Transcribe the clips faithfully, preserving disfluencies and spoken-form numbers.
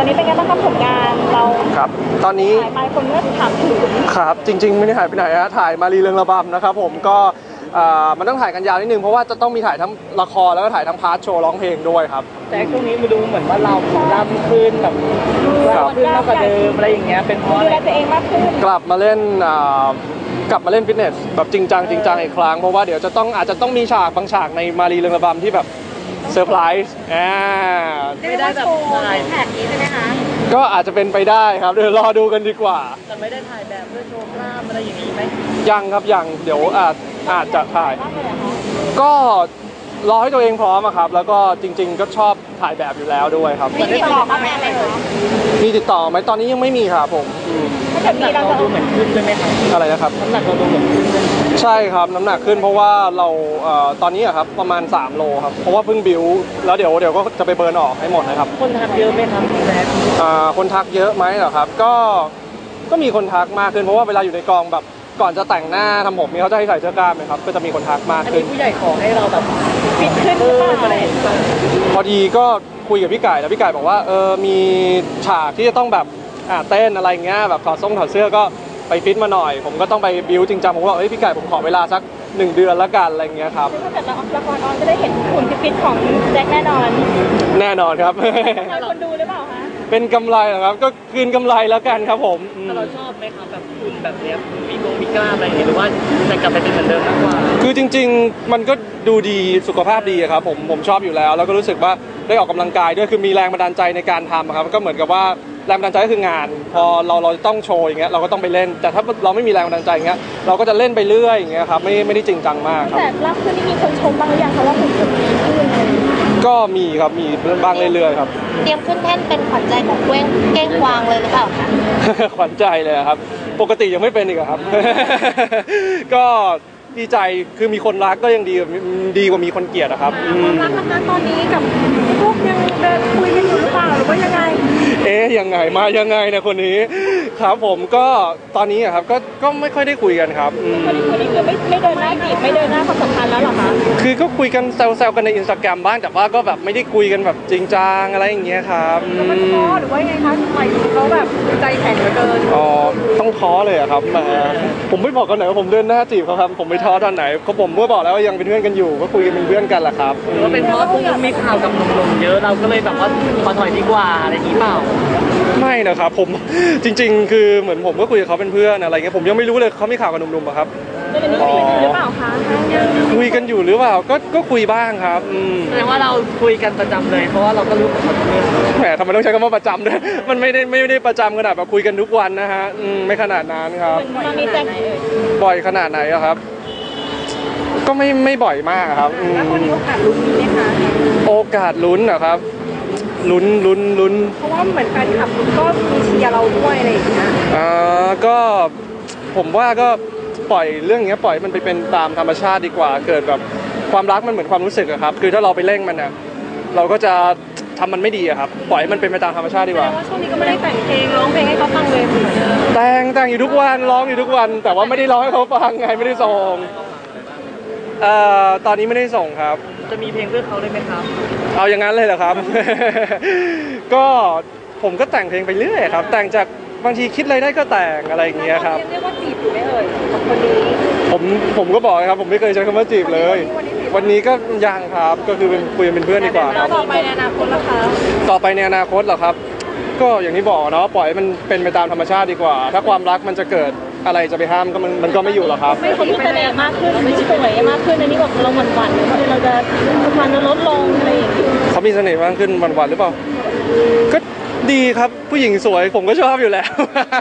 นี้เป็นไงบ้างครับผลงานเราครับตอนนี้หายไปคนก็ถามถึงครับจริงๆไม่ได้หายไปไหนฮะถ่ายมารีเรืองระบำนะครับผมก็มันต้องถ่ายกันยาวนิดนึงเพราะว่าจะต้องมีถ่ายทั้งละครแล้วก็ถ่ายทั้งพาร์ทโชว์ร้องเพลงด้วยครับแต่ช่วงนี้มาดูเหมือนว่าเราล่ำขึ้นแบบล่ำขึ้นมากกว่าเดิมอะไรอย่างเงี้ยเป็นเพราะอะไรตัวเองมากขึ้นกลับมาเล่นกลับมาเล่นฟิตเนสแบบจริงจังจริงจังอีกครั้งเพราะว่าเดี๋ยวจะต้องอาจจะต้องมีฉากบางฉากในมารีเรืองระบำที่แบบเซอร์ไพรส์อ่าไม่ได้แบบถ่ายแท็กนี้ใช่ไหมคะก็อาจจะเป็นไปได้ครับเดี๋ยวรอดูกันดีกว่าแต่ไม่ได้ถ่ายแบบเพื่อโชว์กล้ามอะไรอย่างนี้ไหมยังครับยังเดี๋ยวอาจอาจจะถ่ายก็รอให้ตัวเองพร้อมครับแล้วก็จริงๆก็ชอบถ่ายแบบอยู่แล้วด้วยครับมีติดต่อมาไหมอะไรคะมีติดต่อไหมตอนนี้ยังไม่มีครับผมน้ำหนักเราดูเหมือนขึ้นใช่ไหมครับอะไรนะครับน้ำหนักเราดูเหมือนขึ้นใช่ครับน้ำหนักขึ้นเพราะว่าเราตอนนี้ครับประมาณสามโลครับเพราะว่าเพิ่งบิวแล้วเดี๋ยวเดี๋ยวก็จะไปเบิร์นออกให้หมดนะครับคนทักเยอะไหมครับพี่แบ๊คนทักเยอะไหมเหรอครับก็ก็มีคนทักมากขึ้นเพราะว่าเวลาอยู่ในกองแบบก่อนจะแต่งหน้าทำผมนี่เขาจะให้ใส่เสื้อกล้ามไหมครับก็จะมีคนทักมากขึ้นอันนี้ผู้ใหญ่ขอให้เราแบบฟิตขึ้นอะไรพอดีก็คุยกับพี่ไก่แล้วพี่ไก่บอกว่าเออมีฉากที่จะต้องแบบอ่าเต้นอะไรเงี้ยแบบถอดทรงถอดเสื้อก็ไปฟิตมาหน่อยผมก็ต้องไปบิวจริงจังผมว่าเฮ้ยพี่ไก่ผมขอเวลาสักหนึ่งเดือนละกันอะไรเงี้ยครับถ้าเกิดเราออกละครออนจะได้เห็นหุ่นฟิตของแจ็คแน่นอนแน่นอนครับคนดูหรือเปล่าคะเป็นกำไรเหรอครับก็คืนกำไรแล้วกันครับผมแต่เราชอบไหมครับแบบหุ่นแบบเนี้ยมีกงมีกล้ามอะไรอย่างเงี้ยหรือว่าจะกลับไปเป็นเหมือนเดิมมากกว่าคือจริงๆมันก็ดูดีสุขภาพดีครับผมผมชอบอยู่แล้วแล้วก็รู้สึกว่าได้ออกกำลังกายด้วยคือมีแรงบันดาลใจในการทำครับก็เหมือนกับว่าแรงบันดาลใจก็คืองานพอเราเราต้องโชว์อย่างเงี้ยเราก็ต้องไปเล่นแต่ถ้าเราไม่มีแรงบันดาลใจอย่างเงี้ยเราก็จะเล่นไปเรื่อยอย่างเงี้ยครับไม่ไม่ได้จริงจังมากครับแต่ล่าสุดนี่มีคนชมบ้างหรือยังคะว่าหุ่นดีขึ้นก็มีครับมีบ้างเรื่อยๆครับเตรียมขึ้นแท่นเป็นขวัญใจของเก้งเก้งกวางเลยหรือเปล่าคะขวัญใจเลยครับปกติยังไม่เป็นอีกครับก็ดีใจคือมีคนรักก็ยังดีดีกว่ามีคนเกลียดครับความรักนะคะตอนนี้กับพวกยังเดินคุยกันอยู่หรือเปล่าหรือว่ายังไงเอ๊ยยังไงมายังไงเนี่ยคนนี้ครับผมก็ตอนนี้ครับก็ก็ไม่ค่อยได้คุยกันครับคนนี้คนนี้คือไม่ไม่เดินหน้าจีบไม่เดินหน้าความสัมพันธ์แล้วหรอคะคือก็คุยกันแซวๆกันในอินสตาแกรมบ้างแต่ว่าก็แบบไม่ได้คุยกันแบบจริงจังอะไรอย่างเงี้ยครับมันท้อหรือว่ายังไงคะทำไมเขาแบบใจแข็งเหลือเกินอ๋อต้องท้อเลยครับมาผมไม่บอกกันไหนว่าผมเดินหน้าจีบเขาครับผมไม่ท้อตอนไหนเขาผมเมื่อบอกแล้วว่ายังเป็นเพื่อนกันอยู่ก็คุยกันเป็นเพื่อนกันแหละครับหรือว่าเป็นเพราะพวกมีข่าวกับหนุ่มๆเยอะเราก็เลยแบบว่าขอถอยดีกว่าอะไรอย่างนี้เปล่าไม่นะครับผมจริงๆคือเหมือนผมก็คุยกับเขาเป็นเพื่อนอะไรเงี้ยผมยังไม่รู้เลยเขามีข่าวกับหนุ่มๆอะครับคุยกันหรือเปล่าคะคุยกันอยู่หรือเปล่าก็ก็คุยบ้างครับแสดงว่าเราคุยกันประจำเลยเพราะว่าเราก็รู้กับคนนี้แหมทำไมต้องใช้คำว่าประจำด้วยมันไม่ได้ไม่ได้ประจำขนาดแบบคุยกันทุกวันนะฮะไม่ขนาดนั้นครับตอนนี้จะบ่อยขนาดไหนอะครับก็ไม่ไม่บ่อยมากครับแล้วคนนี้โอกาสลุ้นมีไหมคะโอกาสลุ้นเหรอครับลุ้นลุ้นลุ้นเพราะว่าเหมือนแฟนคลับก็มีเชียร์เราด้วยอะไรอย่างเงี้ยอ่าก็ผมว่าก็ปล่อยเรื่องนี้ปล่อยมันไปเป็นตามธรรมชาติดีกว่าเกิดแบบความรักมันเหมือนความรู้สึกอะครับคือถ้าเราไปเร่งมันอะเราก็จะทำมันไม่ดีอะครับปล่อยมันเป็นไปตามธรรมชาติดีกว่าช่วงนี้ก็ไม่ได้แต่งเพลงร้องเพลงให้เขาฟังเลยแต่งแต่งอยู่ทุกวันร้องอยู่ทุกวันแต่ว่าไม่ได้ร้องให้เขาฟังไงไม่ได้ส่งเอ่อตอนนี้ไม่ได้ส่งครับจะมีเพลงเพื่อเขาได้ไหมครับเอาอย่างนั้นเลยเหรอครับก็ผมก็แต่งเพลงไปเรื่อยครับแต่งจากบางทีคิดอะไรได้ก็แต่งอะไรอย่างเงี้ยครับเรียกว่าจีบอยู่ไหมเอ่ยกับคนนี้ผมผมก็บอกครับผมไม่เคยใช้คำว่าจีบเลยวันนี้ก็ยังครับก็คือเป็นคุยเป็นเพื่อนดีกว่าต่อไปในอนาคตล่ะคะต่อไปในอนาคตเหรอครับก็อย่างที่บอกเนาะปล่อยมันเป็นไปตามธรรมชาติดีกว่าถ้าความรักมันจะเกิดอะไรจะไปห้ามก็มันมันก็ไม่อยู่หรอกครับไม่เขามีเสน่ห์มากขึ้นไม่สวยมากขึ้นอันนี้แบบเราหวั่นหวั่นเราจะความลดลงอะไรอย่างเงี้ยเขามีเสน่ห์มากขึ้นหวั่นหวั่นหรือเปล่าก็ดีครับผู้หญิงสวยผมก็ชอบอยู่แล้ว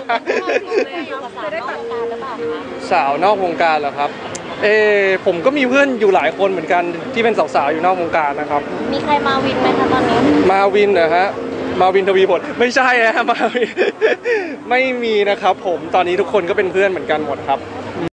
สาวนอกวงการเหรอครับเออผมก็มีเพื่อนอยู่หลายคนเหมือนกันที่เป็นสาวๆอยู่นอกวงการนะครับมีใครมาวินไหมคะตอนนี้มาวินเหรอฮะมาวินทวีผลไม่ใช่ฮะมาวินไม่มีนะครับผมตอนนี้ทุกคนก็เป็นเพื่อนเหมือนกันหมดครับ